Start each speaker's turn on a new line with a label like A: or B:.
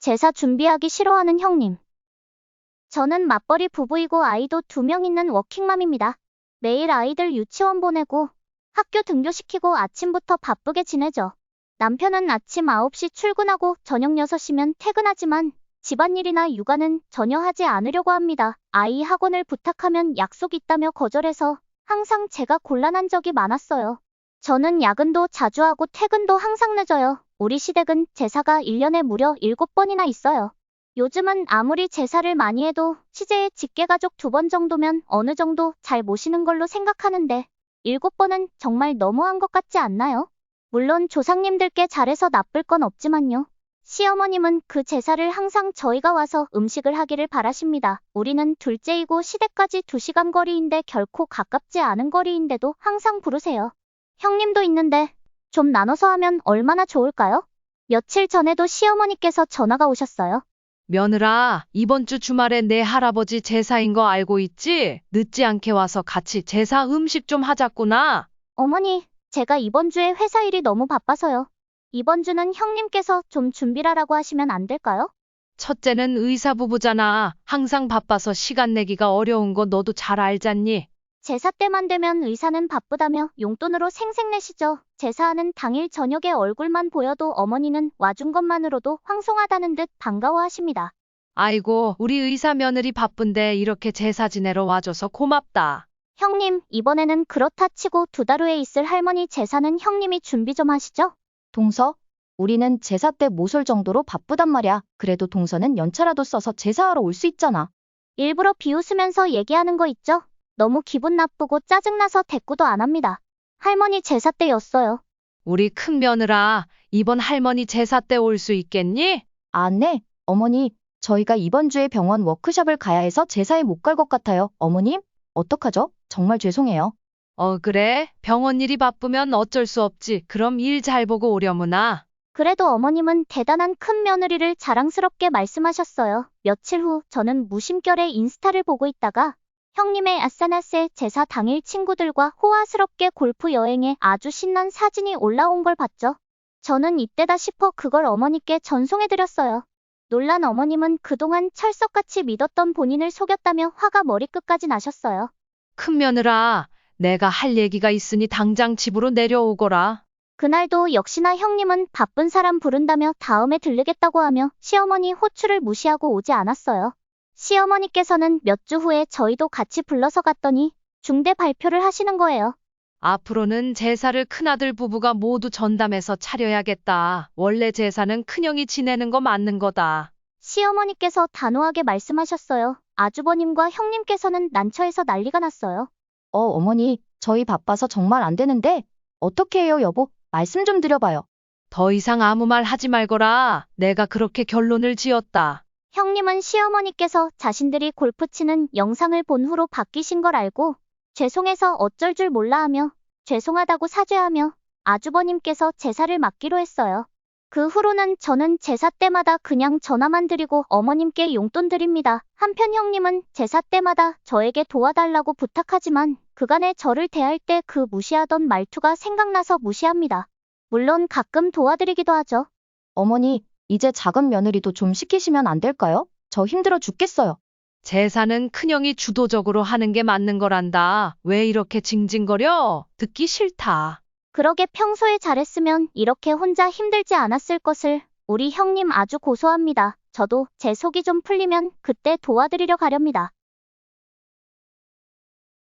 A: 제사 준비하기 싫어하는 형님. 저는 맞벌이 부부이고 아이도 2명 있는 워킹맘입니다. 매일 아이들 유치원 보내고 학교 등교시키고 아침부터 바쁘게 지내죠. 남편은 아침 9시 출근하고 저녁 6시면 퇴근하지만 집안일이나 육아는 전혀 하지 않으려고 합니다. 아이 학원을 부탁하면 약속 있다며 거절해서 항상 제가 곤란한 적이 많았어요. 저는 야근도 자주 하고 퇴근도 항상 늦어요. 우리 시댁은 제사가 1년에 무려 7번이나 있어요. 요즘은 아무리 제사를 많이 해도 시제에 직계가족 2번 정도면 어느 정도 잘 모시는 걸로 생각하는데 7번은 정말 너무한 것 같지 않나요? 물론 조상님들께 잘해서 나쁠 건 없지만요. 시어머님은 그 제사를 항상 저희가 와서 음식을 하기를 바라십니다. 우리는 둘째이고 시댁까지 2시간 거리인데 결코 가깝지 않은 거리인데도 항상 부르세요. 형님도 있는데 좀 나눠서 하면 얼마나 좋을까요? 며칠 전에도 시어머니께서 전화가 오셨어요.
B: 며느라, 이번 주 주말에 내 할아버지 제사인 거 알고 있지? 늦지 않게 와서 같이 제사 음식 좀 하자꾸나.
A: 어머니, 제가 이번 주에 회사 일이 너무 바빠서요. 이번 주는 형님께서 좀 준비라라고 하시면 안 될까요?
B: 첫째는 의사 부부잖아. 항상 바빠서 시간 내기가 어려운 거 너도 잘 알잖니?
A: 제사 때만 되면 의사는 바쁘다며 용돈으로 생색내시죠. 제사하는 당일 저녁에 얼굴만 보여도 어머니는 와준 것만으로도 황송하다는 듯 반가워하십니다.
B: 아이고, 우리 의사 며느리 바쁜데 이렇게 제사 지내러 와줘서 고맙다.
A: 형님, 이번에는 그렇다 치고 2달 후에 있을 할머니 제사는 형님이 준비 좀 하시죠?
C: 동서? 우리는 제사 때 못 올 정도로 바쁘단 말이야. 그래도 동서는 연차라도 써서 제사하러 올 수 있잖아.
A: 일부러 비웃으면서 얘기하는 거 있죠? 너무 기분 나쁘고 짜증나서 대꾸도 안 합니다. 할머니 제사 때였어요.
B: 우리 큰 며느라, 이번 할머니 제사 때 올 수 있겠니?
C: 네, 어머니, 저희가 이번 주에 병원 워크숍을 가야 해서 제사에 못 갈 것 같아요. 어머님, 어떡하죠? 정말 죄송해요.
B: 그래? 병원 일이 바쁘면 어쩔 수 없지. 그럼 일 잘 보고 오려무나.
A: 그래도 어머님은 대단한 큰 며느리를 자랑스럽게 말씀하셨어요. 며칠 후 저는 무심결에 인스타를 보고 있다가 형님의 아싸나세 제사 당일 친구들과 호화스럽게 골프 여행에 아주 신난 사진이 올라온 걸 봤죠. 저는 이때다 싶어 그걸 어머니께 전송해드렸어요. 놀란 어머님은 그동안 철석같이 믿었던 본인을 속였다며 화가 머리끝까지 나셨어요.
B: 큰 며느라, 내가 할 얘기가 있으니 당장 집으로 내려오거라.
A: 그날도 역시나 형님은 바쁜 사람 부른다며 다음에 들르겠다고 하며 시어머니 호출을 무시하고 오지 않았어요. 시어머니께서는 몇 주 후에 저희도 같이 불러서 갔더니 중대 발표를 하시는 거예요.
B: 앞으로는 제사를 큰아들 부부가 모두 전담해서 차려야겠다. 원래 제사는 큰형이 지내는 거 맞는 거다.
A: 시어머니께서 단호하게 말씀하셨어요. 아주버님과 형님께서는 난처해서 난리가 났어요.
C: 어머니, 저희 바빠서 정말 안 되는데 어떻게 해요, 여보? 말씀 좀 드려봐요.
B: 더 이상 아무 말 하지 말거라. 내가 그렇게 결론을 지었다.
A: 형님은 시어머니께서 자신들이 골프 치는 영상을 본 후로 바뀌신 걸 알고 죄송해서 어쩔 줄 몰라 하며 죄송하다고 사죄하며 아주버님께서 제사를 맡기로 했어요. 그 후로는 저는 제사 때마다 그냥 전화만 드리고 어머님께 용돈 드립니다. 한편 형님은 제사 때마다 저에게 도와달라고 부탁하지만 그간에 저를 대할 때 그 무시하던 말투가 생각나서 무시합니다. 물론 가끔 도와드리기도 하죠.
C: 어머니, 이제 작은 며느리도 좀 시키시면 안 될까요? 저 힘들어 죽겠어요.
B: 제사는 큰형이 주도적으로 하는 게 맞는 거란다. 왜 이렇게 징징거려? 듣기 싫다.
A: 그러게 평소에 잘했으면 이렇게 혼자 힘들지 않았을 것을. 우리 형님 아주 고소합니다. 저도 제 속이 좀 풀리면 그때 도와드리려 가렵니다.